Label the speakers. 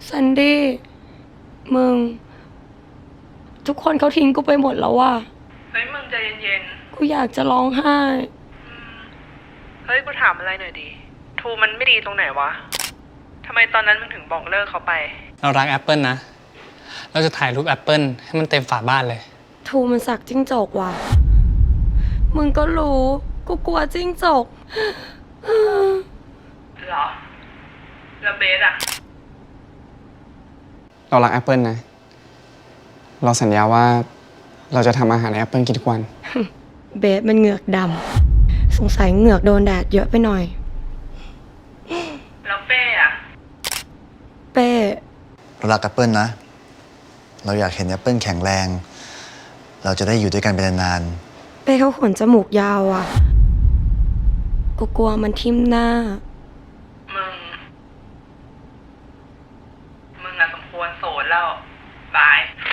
Speaker 1: ซันดี้มึงทุกคนเขาทิ้งกูไปหมดแล้วว่ะ
Speaker 2: เฮ้ยมึงใจเย็น
Speaker 1: กูอยากจะร้องไห้
Speaker 2: ๆเฮ้ยกูถามอะไรหน่อยดิทูมันไม่ดีตรงไหนวะทำไมตอนนั้นมึงถึงบอกเลิกเขาไป
Speaker 3: เรารักแอปเปิลนะเราจะถ่ายรูปแอปเปิลให้มันเต็มฝาบ้านเลย
Speaker 1: ทูมันสักจิ้งจกว่ะมึงก็รู้กูกลัวจิ้งจก
Speaker 2: เหรอแล้วเบสอะ
Speaker 3: เรารักแอปเปิลนะเราสัญญาว่าเราจะทำอาหารให้แอปเปิลกินทุกวัน
Speaker 1: เบสมันเหงือกดำสงสัยเหงือกโดนแดดเยอะไปหน่อย
Speaker 2: แล้วเป้อะ
Speaker 1: เป้
Speaker 4: เรารักแอปเปิลนะเราอยากเห็นแอปเปิลแข็งแรงเราจะได้อยู่ด้วยกันเป็นนาน
Speaker 1: เป้เขาขนจมูกยาวอ่ะกูกลัวมันทิ่มหน้า
Speaker 2: มึงอะสมควรโสดแล้วบาย